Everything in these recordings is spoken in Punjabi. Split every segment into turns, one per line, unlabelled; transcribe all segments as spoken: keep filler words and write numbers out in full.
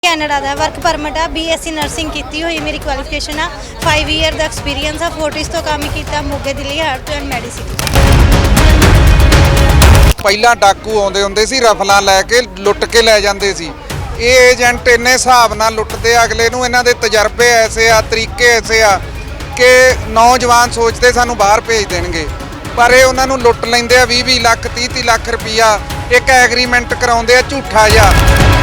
ਕੈਨੇਡਾ ਦਾ ਵਰਕ ਪਰਮਿਟ ਆ ਬੀਐਸਸੀ ਨਰਸਿੰਗ ਕੀਤੀ ਹੋਈ ਮੇਰੀ ਕੁਆਲੀਫਿਕੇਸ਼ਨ ਆ फाइव ईयर ਦਾ ਐਕਸਪੀਰੀਅੰਸ ਆ ਫੋਰਟਿਸ ਤੋਂ ਕੰਮ ਕੀਤਾ ਮੋਗੇ ਦਿੱਲੀ ਹਾਰਟ ਐਂਡ ਮੈਡੀਸਿਨ।
ਪਹਿਲਾਂ ਡਾਕੂ ਆਉਂਦੇ ਹੁੰਦੇ ਸੀ ਰਫਲਾਂ ਲੈ ਕੇ ਲੁੱਟ ਕੇ ਲੈ ਜਾਂਦੇ ਸੀ। ਇਹ ਏਜੰਟ ਇੰਨੇ ਹਿਸਾਬ ਨਾਲ ਲੁੱਟਦੇ ਅਗਲੇ ਨੂੰ, ਇਹਨਾਂ ਦੇ ਤਜਰਬੇ ਐਸੇ ਆ, ਤਰੀਕੇ ਐਸੇ ਆ ਕਿ ਨੌਜਵਾਨ ਸੋਚਦੇ ਸਾਨੂੰ ਬਾਹਰ ਭੇਜ ਦੇਣਗੇ, ਪਰ ਇਹ ਉਹਨਾਂ ਨੂੰ ਲੁੱਟ ਲੈਂਦੇ ਆ ਵੀਹ ਵੀਹ ਲੱਖ ਤੀਹ ਤੀਹ ਲੱਖ ਰੁਪਈਆ ਇੱਕ ਐਗਰੀਮੈਂਟ ਕਰਾਉਂਦੇ ਆ ਝੂਠਾ ਜਿਹਾ।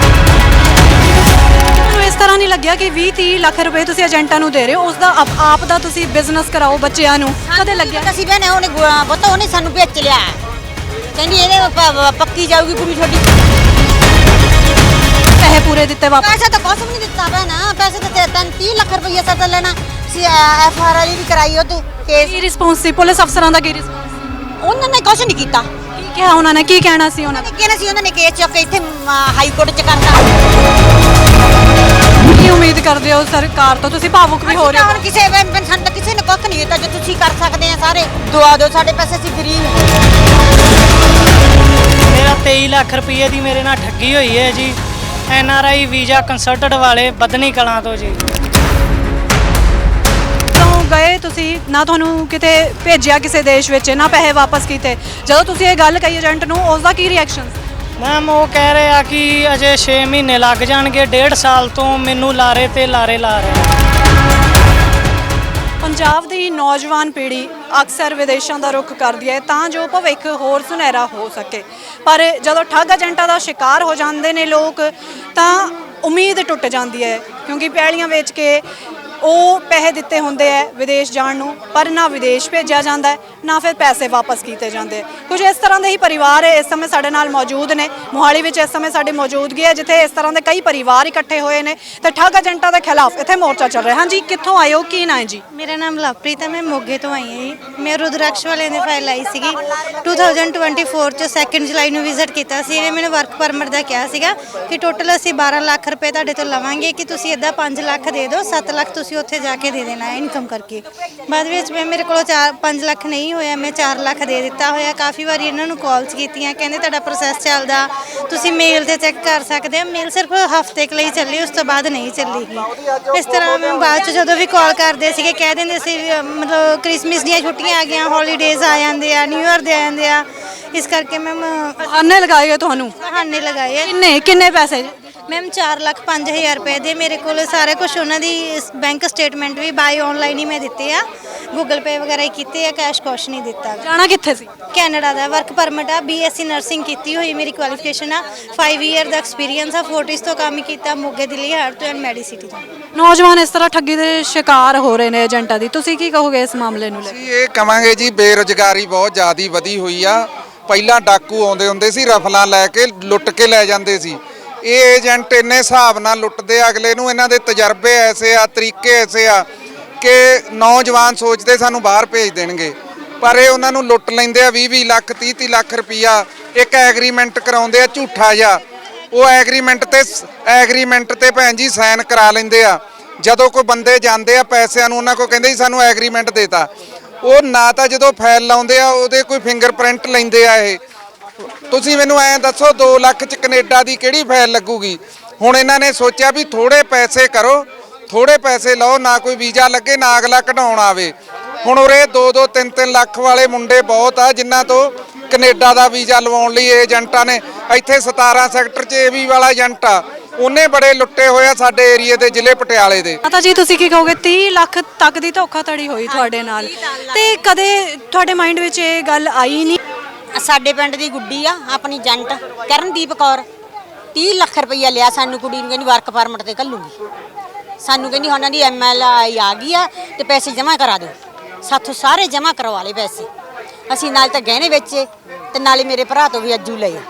ਇਸ ਤਰ੍ਹਾਂ ਨਹੀਂ ਲੱਗਿਆ ਕਿ ਵੀਹ ਤੀਹ ਲੱਖ ਰੁਪਏ ਤੁਸੀਂ ਏਜੰਟਾਂ ਨੂੰ ਦੇ ਰਹੇ ਹੋ, ਉਸ ਦਾ ਆਪ- ਆਪ ਦਾ ਤੁਸੀਂ ਬਿਜ਼ਨਸ ਕਰਾਓ ਬੱਚਿਆਂ ਨੂੰ, ਕਦੇ ਲੱਗਿਆ?
ਅਸੀਂ ਭੈਣੇ ਉਹਨੇ ਪਤਾ ਉਹਨੇ ਸਾਨੂੰ ਵੇਚ ਲਿਆ, ਕਹਿੰਦੀ ਇਹਦੇ ਪ- ਪੱਕੀ ਜਾਊਗੀ ਕੁੜੀ ਤੁਹਾਡੀ।
ਪੈਸੇ ਪੂਰੇ ਦਿੱਤੇ ਵਾਪਸ?
ਪੈਸਾ ਤਾਂ ਕੁਛ ਵੀ ਨਹੀਂ ਦਿੱਤਾ ਭੈਣਾ, ਪੈਸੇ ਤਾਂ ਤੈਨੂੰ ਤੀਹ ਲੱਖ ਰੁਪਈਆ ਸੱਟ ਲੈਣਾ ਸੀ। ਐਫ ਆਰ ਆਈ ਵੀ ਕਰਾਈ ਉਹ ਤੇ ਕੇਸ।
ਕੀ ਰਿਸਪੌਂਸ ਸੀ ਪੁਲਿਸ ਅਫਸਰਾਂ ਦਾ? ਕੀ ਰਿਸਪੌਂਸ?
ਉਹਨਾਂ ਨੇ ਕੁਛ ਨਹੀਂ ਕੀਤਾ।
ਕੀ ਕਿਹਾ ਉਹਨਾਂ ਨੇ? ਕੀ ਕਹਿਣਾ ਸੀ ਉਹਨਾਂ ਨੇ?
ਕਿਹਨੇ ਸੀ ਉਹਨਾਂ ਨੇ ਕੇਸ ਚੁੱਕ ਕੇ ਇੱਥੇ ਹਾਈ ਕੋਰਟ ਚ ਕਰਤਾ।
ਕੀ ਉਮੀਦ ਕਰਦੇ ਹੋ ਸਰਕਾਰ ਤੋਂ? ਤੁਸੀਂ ਭਾਵੁਕ ਵੀ ਹੋ ਰਹੇ ਹੋ।
ਹੁਣ ਕਿਸੇ ਸਾਨੂੰ ਤਾਂ ਕਿਸੇ ਨੇ ਕੁੱਖ ਨਹੀਂ ਦਿੱਤਾ, ਜੋ ਤੁਸੀਂ ਕਰ ਸਕਦੇ ਆ ਸਾਰੇ ਦੁਆ ਦਿਓ ਸਾਡੇ ਪੈਸੇ, ਅਸੀਂ ਗਰੀਬ।
ਮੇਰਾ तेईस ਲੱਖ ਰੁਪਏ ਦੀ ਮੇਰੇ ਨਾਲ ਠੱਗੀ ਹੋਈ ਹੈ ਜੀ, N R I visa consultant ਵਾਲੇ ਬਦਨੀ ਕਲਾਂ ਤੋਂ ਜੀ।
ਤੋਂ ਗਏ ਤੁਸੀਂ ਨਾ, ਤੁਹਾਨੂੰ ਕਿਤੇ ਭੇਜਿਆ ਕਿਸੇ ਦੇਸ਼ ਵਿੱਚ, ਨਾ ਪੈਸੇ ਵਾਪਸ ਕੀਤੇ, ਜਦੋਂ ਤੁਸੀਂ ਇਹ ਗੱਲ ਕਹੀ ਏਜੰਟ ਨੂੰ ਉਸ ਦਾ ਕੀ ਰਿਐਕਸ਼ਨ ਸੀ?
ਮੈਮ ਉਹ ਕਹਿ ਰਹੇ ਆ ਕਿ ਅਜੇ ਛੇ ਮਹੀਨੇ ਲੱਗ ਜਾਣਗੇ, ਡੇਢ ਸਾਲ ਤੋਂ ਮੈਨੂੰ ਲਾਰੇ ਤੇ ਲਾਰੇ ਲਾ ਰਹੇ ਆ।
ਪੰਜਾਬ ਦੀ ਨੌਜਵਾਨ ਪੀੜ੍ਹੀ ਅਕਸਰ ਵਿਦੇਸ਼ਾਂ ਦਾ ਰੁਖ ਕਰਦੀ ਹੈ ਤਾਂ ਜੋ ਭਵਿੱਖ ਹੋਰ ਸੁਨਹਿਰਾ ਹੋ ਸਕੇ, ਪਰ ਜਦੋਂ ਠੱਗ ਏਜੰਟਾਂ ਦਾ ਸ਼ਿਕਾਰ ਹੋ ਜਾਂਦੇ ਨੇ ਲੋਕ ਤਾਂ ਉਮੀਦ ਟੁੱਟ ਜਾਂਦੀ ਹੈ, ਕਿਉਂਕਿ ਪੈਲੀਆਂ ਵੇਚ ਕੇ ਉਹ ਪੈਸੇ ਦਿੱਤੇ ਹੁੰਦੇ ਹੈ ਵਿਦੇਸ਼ ਜਾਣ ਨੂੰ, ਪਰ ਨਾ ਵਿਦੇਸ਼ ਭੇਜਿਆ ਜਾਂਦਾ ਹੈ ਨਾ ਫਿਰ ਪੈਸੇ ਵਾਪਸ ਕੀਤੇ ਜਾਂਦੇ। ਕੁਝ ਇਸ ਤਰ੍ਹਾਂ ਦੇ ਹੀ ਪਰਿਵਾਰ ਇਸ ਸਮੇਂ ਸਾਡੇ ਨਾਲ ਮੌਜੂਦ ਨੇ। ਮੋਹਾਲੀ ਵਿੱਚ ਇਸ ਸਮੇਂ ਸਾਡੀ ਮੌਜੂਦਗੀ ਹੈ ਜਿੱਥੇ ਇਸ ਤਰ੍ਹਾਂ ਦੇ ਕਈ ਪਰਿਵਾਰ ਇਕੱਠੇ ਹੋਏ ਨੇ ਤੇ ਠੱਗ ਏਜੰਟਾਂ ਦੇ ਖਿਲਾਫ ਇੱਥੇ ਮੋਰਚਾ ਚੱਲ ਰਿਹਾ। ਹਾਂਜੀ, ਕਿੱਥੋਂ ਆਏ ਹੋ? ਕੀ ਨਾਂ ਹੈ ਜੀ?
ਮੇਰਾ ਨਾਮ ਲਵਪ੍ਰੀਤ ਹੈ, ਮੈਂ ਮੋਗੇ ਤੋਂ ਆਈ ਹਾਂ ਜੀ। ਮੈਂ ਰੁਦਰਾਕਸ਼ ਵਾਲਿਆਂ ਦੀ ਫਾਈਲ ਆਈ ਸੀਗੀ ਟੂ ਥਾਊਜ਼ੈਂਡ ਟਵੈਂਟੀ ਫੋਰ ਚ ਸੈਕਿੰਡ ਜੁਲਾਈ ਨੂੰ ਵਿਜ਼ਿਟ ਕੀਤਾ ਸੀ। ਇਹਨੇ ਮੈਨੂੰ ਵਰਕ ਪਰਮਿਟ ਦਾ ਕਿਹਾ ਸੀਗਾ ਕਿ ਟੋਟਲ ਅਸੀਂ ਬਾਰਾਂ ਲੱਖ ਰੁਪਏ ਤੁਹਾਡੇ ਤੋਂ ਲਵਾਂਗੇ, ਕਿ ਤੁਸੀਂ ਇੱਦਾਂ ਪੰਜ ਲੱਖ ਦੇ ਦਿਓ, ਸੱਤ ਲੱਖ ਤੁਸੀਂ ਉੱਥੇ ਜਾ ਕੇ ਦੇ ਦੇਣਾ ਹੈ ਇਨਕਮ ਕਰਕੇ। ਬਾਅਦ ਵਿੱਚ ਮੈਂ ਮੇਰੇ ਕੋਲ ਚਾਰ ਪੰਜ ਲੱਖ ਨਹੀਂ ਹੋਇਆ, ਮੈਂ ਚਾਰ ਲੱਖ ਦੇ ਦਿੱਤਾ ਹੋਇਆ। ਕਾਫੀ ਵਾਰੀ ਇਹਨਾਂ ਨੂੰ ਕਾਲਸ ਕੀਤੀਆਂ, ਕਹਿੰਦੇ ਤੁਹਾਡਾ ਪ੍ਰੋਸੈਸ ਚੱਲਦਾ, ਤੁਸੀਂ ਮੇਲ ਤੇ ਚੈੱਕ ਕਰ ਸਕਦੇ ਹੋ। ਮੇਲ ਸਿਰਫ ਹਫਤੇ ਕੁ ਲਈ ਚੱਲੀ, ਉਸ ਤੋਂ ਬਾਅਦ ਨਹੀਂ ਚੱਲੇਗੀ। ਇਸ ਤਰ੍ਹਾਂ ਮੈਂ ਬਾਅਦ 'ਚ ਜਦੋਂ ਵੀ ਕਾਲ ਕਰਦੇ ਸੀਗੇ ਕਹਿ ਦਿੰਦੇ ਸੀ ਮਤਲਬ ਕ੍ਰਿਸਮਸ ਦੀਆਂ ਛੁੱਟੀਆਂ ਆ ਗਈਆਂ, ਹੌਲੀਡੇਜ਼ ਆ ਜਾਂਦੇ ਆ, ਨਿਊ ਈਅਰ ਦੇ ਆ ਜਾਂਦੇ ਆ, ਇਸ ਕਰਕੇ ਮੈਮ
ਬਹਾਨੇ ਲਗਾਏ ਤੁਹਾਨੂੰ?
ਬਹਾਨੇ ਲਗਾਏ ਆ।
ਕਿੰਨੇ ਕਿੰਨੇ ਪੈਸੇ?
ਮੈਮ ਚਾਰ ਲੱਖ ਪੰਜ ਹਜ਼ਾਰ ਰੁਪਏ ਦੇ ਮੇਰੇ ਕੋਲ ਸਾਰਾ ਕੁਝ, ਉਹਨਾਂ ਦੀ ਬੈਂਕ ਸਟੇਟਮੈਂਟ ਵੀ ਬਾਈ ਆਨਲਾਈਨ ਹੀ ਮੈਂ ਦਿੱਤੇ ਆ, ਗੂਗਲ ਪੇ ਵਗੈਰਾ ਹੀ ਕੀਤੇ ਆ, ਕੈਸ਼ ਕੁਛ ਨਹੀਂ ਦਿੱਤਾ।
ਜਾਣਾ ਕਿੱਥੇ ਸੀ?
ਕੈਨੇਡਾ ਦਾ ਵਰਕ ਪਰਮਿਟ ਆ ਬੀਐਸਸੀ ਨਰਸਿੰਗ ਕੀਤੀ ਹੋਈ ਮੇਰੀ ਕੁਆਲੀਫਿਕੇਸ਼ਨ ਆ फाइव ईयर ਦਾ ਐਕਸਪੀਰੀਅੰਸ ਆ ਫੋਰਟਿਸ ਤੋਂ ਕੰਮ ਕੀਤਾ ਮੋਗੇ ਦਿੱਲੀ ਹਾਰਟ ਐਂਡ ਮੈਡੀਸਿਨ ਤੋਂ।
ਨੌਜਵਾਨ ਇਸ ਤਰ੍ਹਾਂ ਠੱਗੀ ਦੇ ਸ਼ਿਕਾਰ ਹੋ ਰਹੇ ਨੇ ਏਜੰਟਾਂ ਦੀ, ਤੁਸੀਂ ਕੀ ਕਹੋਗੇ ਇਸ ਮਾਮਲੇ ਨੂੰ ਲੈ ਕੇ?
ਅਸੀਂ ਇਹ ਕਵਾਂਗੇ ਜੀ, ਬੇਰੁਜ਼ਗਾਰੀ ਬਹੁਤ ਜ਼ਿਆਦਾ ਵਧੀ ਹੋਈ ਆ। ਪਹਿਲਾਂ ਡਾਕੂ ਆਉਂਦੇ ਹੁੰਦੇ ਸੀ ਰਫਲਾਂ ਲੈ ਕੇ ਲੁੱਟ ਕੇ ਲੈ ਜਾਂਦੇ ਸੀ। ਇਹ ਏਜੰਟ ਇੰਨੇ ਹਿਸਾਬ ਨਾਲ ਲੁੱਟਦੇ ਅਗਲੇ ਨੂੰ, ਇਹਨਾਂ ਦੇ ਤਜਰਬੇ ਐਸੇ ਆ, ਤਰੀਕੇ ਐਸੇ ਆ ਕਿ ਨੌਜਵਾਨ ਸੋਚਦੇ ਸਾਨੂੰ ਬਾਹਰ ਭੇਜ ਦੇਣਗੇ, ਪਰ ਇਹ ਉਹਨਾਂ ਨੂੰ ਲੁੱਟ ਲੈਂਦੇ ਆ ਵੀਹ ਵੀਹ ਲੱਖ ਤੀਹ ਤੀਹ ਲੱਖ ਰੁਪਈਆ ਇੱਕ ਐਗਰੀਮੈਂਟ ਕਰਾਉਂਦੇ ਆ ਝੂਠਾ ਜਿਹਾ। ਉਹ ਐਗਰੀਮੈਂਟ ਤੇ ਐਗਰੀਮੈਂਟ ਤੇ ਭੈਣ ਜੀ ਸਾਈਨ ਕਰਾ ਲੈਂਦੇ ਆ। ਜਦੋਂ ਕੋਈ ਬੰਦੇ ਜਾਂਦੇ ਆ ਪੈਸਿਆਂ ਨੂੰ ਉਹਨਾਂ ਕੋਲ ਕਹਿੰਦੇ ਜੀ ਸਾਨੂੰ ਐਗਰੀਮੈਂਟ ਦੇਤਾ, ਉਹ ਨਾ ਤਾਂ ਜਦੋਂ ਫਾਈਲ ਲਾਉਂਦੇ ਆ ਉਹਦੇ ਕੋਈ ਫਿੰਗਰਪ੍ਰਿੰਟ ਲੈਂਦੇ ਆ। ਇਹ ਤੁਸੀਂ ਮੈਨੂੰ ਐਂ ਦੱਸੋ ਦੋ ਲੱਖ ਚ ਕੈਨੇਡਾ ਦੀ ਕਿਹੜੀ ਫਾਈਲ ਲੱਗੂਗੀ? ਹੁਣ ਇਹਨਾਂ ਨੇ ਸੋਚਿਆ ਵੀ ਥੋੜੇ ਪੈਸੇ ਕਰੋ, ਥੋੜੇ ਪੈਸੇ ਲਓ, ਨਾ ਕੋਈ ਵੀਜ਼ਾ ਲੱਗੇ ਨਾ ਅਗਲਾ ਕਢਾਉਣ ਆਵੇ। ਹੁਣ ਉਰੇ ਦੋ ਦੋ ਤਿੰਨ ਤਿੰਨ ਲੱਖ ਵਾਲੇ ਮੁੰਡੇ ਬਹੁਤ ਆ ਜਿਨ੍ਹਾਂ ਤੋਂ ਕੈਨੇਡਾ ਦਾ ਵੀਜ਼ਾ ਲਵਾਉਣ ਲਈ ਏਜੰਟਾਂ ਨੇ, ਇੱਥੇ ਸਤਾਰਾਂ ਸੈਕਟਰ 'ਚ ਏ ਵੀ ਵਾਲਾ ਏਜੰਟ ਆ, ਉਹਨੇ ਬੜੇ ਲੁੱਟੇ ਹੋਏ ਆ ਸਾਡੇ ਏਰੀਏ ਦੇ, ਜ਼ਿਲ੍ਹੇ ਪਟਿਆਲੇ ਦੇ।
ਮਾਤਾ ਜੀ ਤੁਸੀਂ ਕੀ ਕਹੋਗੇ? ਤੀਹ ਲੱਖ ਤੱਕ ਦੀ ਧੋਖਾਧੜੀ ਹੋਈ ਤੁਹਾਡੇ ਨਾਲ, ਤੇ ਕਦੇ ਤੁਹਾਡੇ ਮਾਈਂਡ ਵਿੱਚ ਇਹ ਗੱਲ ਆਈ ਨਹੀਂ?
ਸਾਡੇ ਪਿੰਡ ਦੀ ਗੁੱਡੀ ਆ ਆਪਣੀ ਏਜੰਟ ਕਰਨਦੀਪ ਕੌਰ, ਤੀਹ ਲੱਖ ਰੁਪਈਆ ਲਿਆ ਸਾਨੂੰ, ਕੁੜੀ ਨੂੰ ਕਹਿੰਦੀ ਵਰਕ ਪਰਮਿਟ ਤੇ ਘੱਲੂਗੀ, ਸਾਨੂੰ ਕਹਿੰਦੀ ਉਹਨਾਂ ਦੀ ਐਮ ਐਲ ਆਈ ਆ ਗਈ ਆ ਤੇ ਪੈਸੇ ਜਮ੍ਹਾਂ ਕਰਾ ਦਿਓ। ਸਾਥੋਂ ਸਾਰੇ ਜਮ੍ਹਾਂ ਕਰਵਾ ਲਏ ਪੈਸੇ, ਅਸੀਂ ਨਾਲ ਤਾਂ ਗਹਿਣੇ ਵੇਚੇ ਤੇ ਨਾਲੇ ਮੇਰੇ ਭਰਾ ਤੋਂ ਵੀ ਅੱਜੂ ਲਏ।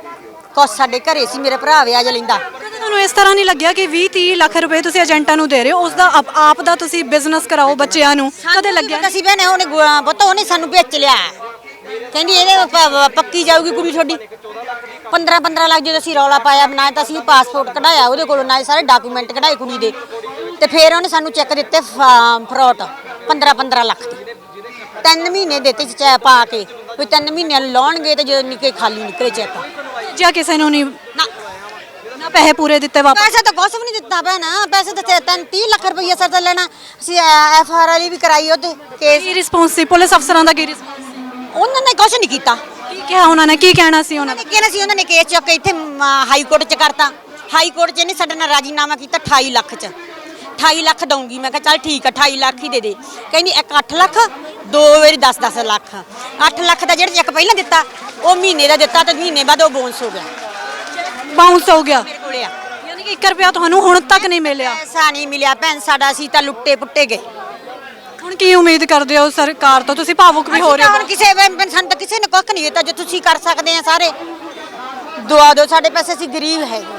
ਕੁਛ ਸਾਡੇ ਘਰੇ ਸੀ, ਮੇਰੇ ਭਰਾ ਵਿਆਜ ਲੈਂਦਾ।
ਤੁਹਾਨੂੰ ਇਸ ਤਰ੍ਹਾਂ ਨਹੀਂ ਲੱਗਿਆ ਕਿ ਵੀਹ ਤੀਹ ਲੱਖ ਰੁਪਏ ਤੁਸੀਂ ਏਜੰਟਾਂ ਨੂੰ ਦੇ ਰਹੇ ਹੋ, ਉਸ ਦਾ ਆਪ- ਆਪ ਦਾ ਤੁਸੀਂ ਬਿਜ਼ਨਸ ਕਰਾਓ ਬੱਚਿਆਂ ਨੂੰ, ਕਦੇ ਲੱਗਿਆ?
ਅਸੀਂ ਭੈਣੇ ਉਹਨੇ ਪਤਾ ਉਹਨੇ ਸਾਨੂੰ ਵੇਚ ਲਿਆ, ਕਹਿੰਦੀ ਇਹਦੇ ਪ- ਪੱਕੀ ਜਾਊਗੀ ਕੁੜੀ ਤੁਹਾਡੀ। ਪੰਦਰਾਂ ਪੰਦਰਾਂ ਲੱਖ ਜਦੋਂ ਅਸੀਂ ਰੌਲਾ ਪਾਇਆ, ਨਾ ਤਾਂ ਅਸੀਂ ਪਾਸਪੋਰਟ ਕਢਾਇਆ ਉਹਦੇ ਕੋਲੋਂ, ਨਾ ਸਾਰੇ ਡਾਕੂਮੈਂਟ ਕਢਾਏ ਕੁੜੀ ਦੇ, ਤੇ ਫਿਰ ਉਹਨੇ ਸਾਨੂੰ ਚੈੱਕ ਦਿੱਤੇ ਫਰੋਟ ਪੰਦਰਾਂ ਪੰਦਰਾਂ ਲੱਖ ਦੇ। ਤਿੰਨ ਮਹੀਨੇ ਦਿੱਤੇ ਚ ਪਾ ਕੇ ਵੀ ਤਿੰਨ ਮਹੀਨਿਆਂ ਨੂੰ ਲਾਉਣਗੇ ਤੇ ਜਦੋਂ ਨਿਕਲੇ ਖਾਲੀ ਨਿਕਲੇ ਚੈੱਕ।
ਜਾਂ ਕਿਸੇ ਨੂੰ ਨਹੀਂ?
ਨਾ
ਨਾ ਪੈਸੇ ਪੂਰੇ ਦਿੱਤੇ ਵਾਪਸ?
ਪੈਸੇ ਤਾਂ ਕੁਛ ਵੀ ਨਹੀਂ ਦਿੱਤਾ ਭੈਣਾ, ਪੈਸੇ ਤਾਂ ਤੇ ਤਿੰਨ ਤੀਹ ਲੱਖ ਰੁਪਈਆ ਸਰ ਤਾਂ ਲੈਣਾ। ਅਸੀਂ ਐਫ ਆਰ ਵਾਲੀ ਵੀ ਕਰਾਈ ਉਹਤੇ ਕੇਸ,
ਕੀ ਰਿਸਪੌਂਸ ਸੀ ਪੁਲਿਸ ਅਫਸਰਾਂ ਦਾ? ਕੀ ਰਿਸਪੌਂਸ ਸੀ?
ਉਹਨਾਂ ਨੇ ਕੁਛ ਨਹੀਂ ਕੀਤਾ।
ਕੀ ਕਿਹਾ ਉਹਨਾਂ ਨੇ? ਕੀ ਕਹਿਣਾ ਸੀ ਉਹਨਾਂ
ਉਹਨਾਂ
ਦਾ?
ਨੇ ਕਿਹਾ ਸੀ, ਉਹਨਾਂ ਨੇ ਕੇਸ ਚੁੱਕ ਕੇ ਇੱਥੇ ਹਾਈ ਕੋਰਟ 'ਚ ਕਰਤਾ। ਹਾਈ ਕੋਰਟ 'ਚ ਇਹਨੇ ਸਾਡੇ ਨਾਲ ਰਾਜੀਨਾਮਾ ਕੀਤਾ ਅਠਾਈ ਲੱਖ 'ਚ। ਅਠਾਈ ਲੱਖ ਦਊਂਗੀ, ਮੈਂ ਕਿਹਾ ਚੱਲ ਠੀਕ ਆ ਅਠਾਈ ਲੱਖ ਹੀ ਦੇ ਦੇ। ਕਹਿੰਦੀ ਇੱਕ ਅੱਠ ਲੱਖ, ਦੋ ਵਾਰੀ ਦਸ ਦਸ ਲੱਖ। ਅੱਠ ਲੱਖ ਦਾ ਜਿਹੜਾ ਚੈੱਕ ਪਹਿਲਾਂ ਦਿੱਤਾ ਉਹ ਮਹੀਨੇ ਦਾ ਦਿੱਤਾ ਤੇ ਮਹੀਨੇ ਬਾਅਦ ਉਹ ਬੌਂਸ ਹੋ ਗਿਆ।
ਬਾਉਂਸ ਹੋ ਗਿਆ?
ਮੇਰੇ ਕੋਲੇ ਆ
ਯਾਨੀ ਕਿ ਇੱਕ ਰੁਪਿਆ ਤੁਹਾਨੂੰ ਹੁਣ ਤੱਕ ਨਹੀਂ ਮਿਲਿਆ?
ਪੈਸਾ ਨਹੀਂ ਮਿਲਿਆ ਭੈਣ ਸਾਡਾ, ਅਸੀਂ ਤਾਂ ਲੁੱਟੇ ਪੁੱਟੇ ਗਏ।
ਹੁਣ ਕੀ ਉਮੀਦ ਕਰਦੇ ਹੋ ਸਰਕਾਰ ਤੋਂ? ਤੁਸੀਂ ਭਾਵੁਕ ਵੀ ਹੋ ਰਹੇ
ਹੁਣ
ਹੋ।
ਕਿਸੇ ਸਾਨੂੰ ਤਾਂ ਕਿਸੇ ਨੇ ਕੁੱਖ ਨਹੀਂ ਦਿੱਤਾ, ਜੋ ਤੁਸੀਂ ਕਰ ਸਕਦੇ ਆ ਸਾਰੇ ਦੁਆ ਦਿਓ ਸਾਡੇ ਪੈਸੇ, ਅਸੀਂ ਗਰੀਬ ਹੈਗੇ।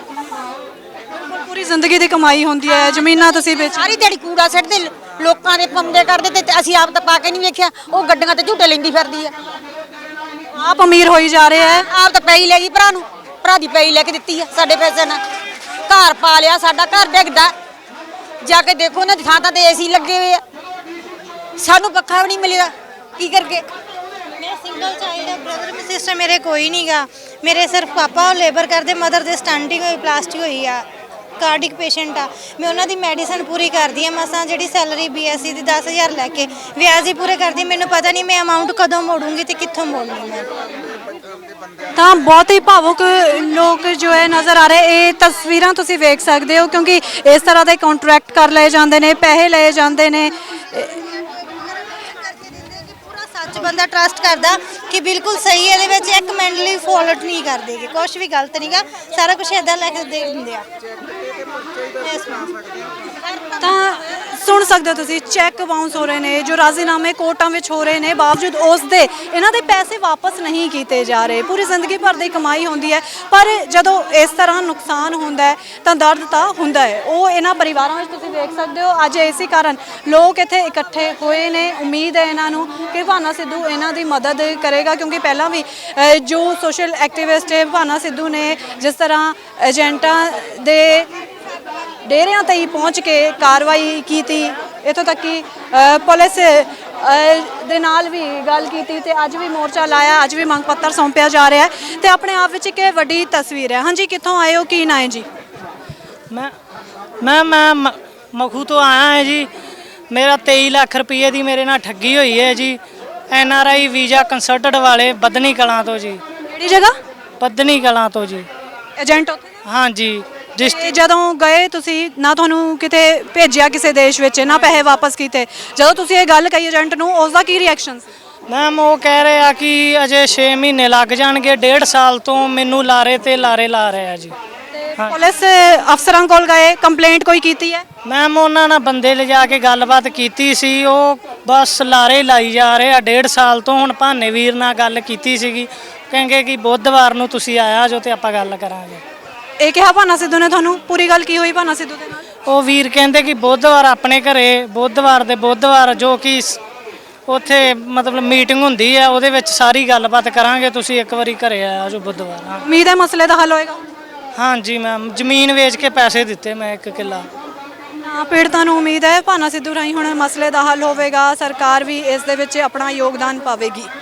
ਪੂਰੀ ਜ਼ਿੰਦਗੀ ਦੀ ਕਮਾਈ ਹੁੰਦੀ ਹੈ, ਜ਼ਮੀਨਾਂ ਤੁਸੀਂ ਵੇਚ।
ਸਾਰੀ ਦਿਹਾੜੀ ਕੂੜਾ ਸਿੱਟਦੇ, ਲੋਕਾਂ ਦੇ ਪੰਦੇ ਕਰਦੇ ਤੇ ਅਸੀਂ ਆਪ ਤਾਂ ਪਾ ਕੇ ਨਹੀਂ ਵੇਖਿਆ। ਉਹ ਗੱਡੀਆਂ ਤੇ ਝੂਟੇ ਲੈਂਦੀ ਫਿਰਦੀ ਆ।
ਆਪ ਅਮੀਰ ਹੋਈ ਜਾ ਰਹੇ ਹੈ।
ਆਪ ਤਾਂ ਪੈਈ ਲੈ ਗਈ ਭਰਾ ਨੂੰ, ਭਰਾ ਦੀ ਪੈਈ ਲੈ ਕੇ ਦਿੱਤੀ ਆ ਸਾਡੇ ਪੈਸੇ ਨਾਲ। ਘਰ ਪਾ ਲਿਆ, ਸਾਡਾ ਘਰ ਡਿੱਗਦਾ। ਜਾ ਕੇ ਦੇਖੋ ਉਹਨਾਂ ਦੀ ਥਾਂ ਥਾਂ ਤੇ ਏਸੀ ਲੱਗੇ ਹੋਏ ਆ, ਸਾਨੂੰ ਪੱਖਾ ਵੀ ਨਹੀਂ ਮਿਲਿਆ। ਕੀ ਕਰਗੇ?
ਮੈਂ ਸਿੰਗਲ ਚਾਈਲਡ ਆ, ਬ੍ਰਦਰ ਤੇ ਸਿਸਟਰ ਮੇਰੇ ਕੋਈ ਨਹੀਂਗਾ। ਮੇਰੇ ਸਿਰਫ ਪਾਪਾ ਉਹ ਲੇਬਰ ਕਰਦੇ, ਮਦਰ ਦੇ ਸਟੰਟਿੰਗ ਹੋਈ, ਪਲਾਸਟਿਕ ਹੋਈ ਆ, ਕਾਰਡਿਕ ਪੇਸ਼ੈਂਟ ਆ। ਮੈਂ ਉਹਨਾਂ ਦੀ ਮੈਡੀਸਨ ਪੂਰੀ ਕਰਦੀ ਆ ਮਸਾਂ, ਜਿਹੜੀ ਸੈਲਰੀ ਬੀਐਸਸੀ ਦੀ ਦਸ ਹਜ਼ਾਰ ਲੈ ਕੇ ਵਿਆਜ ਹੀ ਪੂਰੇ ਕਰਦੀ। ਮੈਨੂੰ ਪਤਾ ਨਹੀਂ ਮੈਂ ਅਮਾਉਂਟ ਕਦੋਂ ਮੋੜੂੰਗੀ ਤੇ ਕਿੱਥੋਂ ਮੋੜਨੀ ਮੈਂ।
ਤਾਂ ਬਹੁਤ ਹੀ ਭਾਵੁਕ ਲੋਕ ਜੋ ਹੈ ਨਜ਼ਰ ਆ ਰਹੇ। ਇਹ ਤਸਵੀਰਾਂ ਤੁਸੀਂ ਵੇਖ ਸਕਦੇ ਹੋ, ਕਿਉਂਕਿ ਇਸ ਤਰ੍ਹਾਂ ਦੇ ਕੰਟਰੈਕਟ ਕਰ ਲਏ ਜਾਂਦੇ ਨੇ, ਪੈਸੇ ਲਏ ਜਾਂਦੇ ਨੇ।
ਪੂਰਾ ਸੱਚ ਬੰਦਾ ਟਰਸਟ ਕਰਦਾ ਕਿ ਬਿਲਕੁਲ ਸਹੀ ਹੈ, ਇਹਦੇ ਵਿੱਚ ਇੱਕ ਮਿੰਟ ਲਈ ਫੋਲਟ ਨਹੀਂ ਕਰਦੇਗੇ, ਕੁਝ ਵੀ ਗਲਤ ਨਹੀਂਗਾ, ਸਾਰਾ ਕੁਝ ਇਦਾਂ ਲੈ ਕੇ ਦੇ ਦਿੰਦੇ ਆ।
ਤਾਂ ਸੁਣ ਸਕਦੇ ਹੋ ਤੁਸੀਂ, ਚੈੱਕ ਬਾਉਂਸ ਹੋ ਰਹੇ ਨੇ, ਜੋ ਰਾਜ਼ੀਨਾਮੇ ਕੋਰਟਾਂ ਵਿੱਚ ਹੋ ਰਹੇ ਨੇ, ਬਾਵਜੂਦ ਉਸ ਦੇ ਇਹਨਾਂ ਦੇ ਪੈਸੇ ਵਾਪਸ ਨਹੀਂ ਕੀਤੇ ਜਾ ਰਹੇ। ਪੂਰੀ ਜ਼ਿੰਦਗੀ ਭਰ ਦੀ ਕਮਾਈ ਹੁੰਦੀ ਹੈ, ਪਰ ਜਦੋਂ ਇਸ ਤਰ੍ਹਾਂ ਨੁਕਸਾਨ ਹੁੰਦਾ ਹੈ ਤਾਂ ਦਰਦ ਤਾਂ ਹੁੰਦਾ ਹੈ। ਉਹ ਇਹਨਾਂ ਪਰਿਵਾਰਾਂ ਵਿੱਚ ਤੁਸੀਂ ਵੇਖ ਸਕਦੇ ਹੋ। ਅੱਜ ਇਸੇ ਕਾਰਨ ਲੋਕ ਇੱਥੇ ਇਕੱਠੇ ਹੋਏ ਨੇ। ਉਮੀਦ ਹੈ ਇਹਨਾਂ ਨੂੰ ਕਿ ਭਾਨਾ ਸਿੱਧੂ ਇਹਨਾਂ ਦੀ ਮਦਦ ਕਰੇਗਾ, ਕਿਉਂਕਿ ਪਹਿਲਾਂ ਵੀ ਅ, ਜੋ ਸੋਸ਼ਲ ਐਕਟਿਵਿਸਟ ਹੈ ਭਾਨਾ ਸਿੱਧੂ ਨੇ ਜਿਸ ਤਰ੍ਹਾਂ ਏਜੰਟਾਂ ਦੇ ਡੇਰਿਆਂ ਤੇ ਹੀ ਪਹੁੰਚ ਕੇ ਕਾਰਵਾਈ ਕੀਤੀ, ਇੱਥੋਂ ਤੱਕ ਕਿ ਅ, ਪੁਲਿਸ ਅ, ਦੇ ਨਾਲ ਵੀ ਗੱਲ ਕੀਤੀ ਤੇ ਅੱਜ ਵੀ ਮੋਰਚਾ ਲਾਇਆ, ਅੱਜ ਵੀ ਮੰਗ ਪੱਤਰ ਸੌਂਪਿਆ ਜਾ ਰਿਹਾ ਹੈ ਤੇ ਆਪਣੇ ਆਪ ਵਿੱਚ ਇੱਕ ਇਹ ਵੱਡੀ ਤਸਵੀਰ ਹੈ। ਹਾਂਜੀ, ਕਿੱਥੋਂ ਆਏ ਹੋ? ਕੀ ਨਾਂ ਹੈ ਜੀ?
ਮੈਂ ਮੈਂ ਮੈਂ ਮ- ਮਖੂ ਤੋਂ ਆਇਆ ਹਾਂ ਜੀ। ਮੇਰਾ ਤੇਈ ਲੱਖ ਰੁਪਏ ਦੀ ਮੇਰੇ ਨਾਲ ਠੱਗੀ ਹੋਈ ਹੈ ਜੀ। N R I visa consultant ਵਾਲੇ ਬੱਧਨੀ ਕਲਾਂ ਤੋਂ ਜੀ।
ਕਿਹੜੀ ਜਗ੍ਹਾ?
ਬੱਧਨੀ ਕਲਾਂ ਤੋਂ ਜੀ।
ਏਜੰਟ ਉੱਥੇ?
ਹਾਂਜੀ। ਜਿਸ
ਤੇ ਜਦੋਂ ਗਏ ਤੁਸੀਂ, ਨਾ ਤੁਹਾਨੂੰ ਕਿਤੇ ਭੇਜਿਆ ਕਿਸੇ ਦੇਸ਼ ਵਿੱਚ, ਨਾ ਪੈਸੇ ਵਾਪਸ ਕੀਤੇ, ਜਦੋਂ ਤੁਸੀਂ ਇਹ ਗੱਲ ਕਹੀ ਏਜੰਟ ਨੂੰ, ਉਸ ਦਾ ਕੀ ਰਿਐਕਸ਼ਨ ਸੀ?
ਮੈਮ ਉਹ ਕਹਿ ਰਹੇ ਆ ਕਿ ਅਜੇ ਛੇ ਮਹੀਨੇ ਲੱਗ ਜਾਣਗੇ। ਡੇਢ ਸਾਲ ਤੋਂ ਮੈਨੂੰ ਲਾਰੇ ਤੇ ਲਾਰੇ ਲਾ ਰਹੇ ਆ ਜੀ।
ਪੁਲਿਸ ਅਫਸਰਾਂ ਕੋਲ ਗਏ, ਕੰਪਲੇਂਟ ਕੋਈ ਕੀਤੀ ਹੈ?
ਮੈਮ ਉਹਨਾਂ ਨਾਲ ਬੰਦੇ ਲਿਜਾ ਕੇ ਗੱਲਬਾਤ ਕੀਤੀ ਸੀ, ਉਹ ਬਸ ਲਾਰੇ ਲਾਈ ਜਾ ਰਹੇ ਆ ਡੇਢ ਸਾਲ ਤੋਂ। ਹੁਣ ਭਾਨੇ ਵੀਰ ਨਾਲ ਗੱਲ ਕੀਤੀ ਸੀਗੀ, ਕਹਿੰਗੇ ਕਿ ਬੁੱਧਵਾਰ ਨੂੰ ਤੁਸੀਂ ਆਇਆ ਜੋ ਤੇ ਆਪਾਂ ਗੱਲ ਕਰਾਂਗੇ।
ਇਹ ਕਿਹਾ ਭਾਨਾ ਸਿੱਧੂ ਨੇ ਤੁਹਾਨੂੰ? ਪੂਰੀ ਗੱਲ ਕੀ ਹੋਈ ਭਾਨਾ ਸਿੱਧੂ ਦੇ ਨਾਲ?
ਉਹ ਵੀਰ ਕਹਿੰਦੇ ਕਿ ਬੁੱਧਵਾਰ ਆਪਣੇ ਘਰੇ, ਬੁੱਧਵਾਰ ਦੇ ਬੁੱਧਵਾਰ ਜੋ ਕਿ ਸ- ਉੱਥੇ ਮਤਲਬ ਮੀਟਿੰਗ ਹੁੰਦੀ ਹੈ, ਉਹਦੇ ਵਿੱਚ ਸਾਰੀ ਗੱਲਬਾਤ ਕਰਾਂਗੇ, ਤੁਸੀਂ ਇੱਕ ਵਾਰੀ ਘਰੇ ਆਇਆ ਜੋ ਬੁੱਧਵਾਰ। ਹਾਂ
ਉਮੀਦ ਹੈ ਮਸਲੇ ਦਾ ਹੱਲ ਹੋਏਗਾ?
ਹਾਂਜੀ ਮੈਮ, ਜ਼ਮੀਨ ਵੇਚ ਕੇ ਪੈਸੇ ਦਿੱਤੇ ਮੈਂ ਇੱਕ ਕਿੱਲਾ।
ਨਾ ਪੀੜਤਾਂ ਨੂੰ ਉਮੀਦ ਹੈ ਭਾਨਾ ਸਿੱਧੂ ਰਾਹੀਂ ਹੁਣ ਮਸਲੇ ਦਾ ਹੱਲ ਹੋਵੇਗਾ, ਸਰਕਾਰ ਵੀ ਇਸ ਦੇ ਵਿੱਚ ਆਪਣਾ ਯੋਗਦਾਨ ਪਾਵੇਗੀ।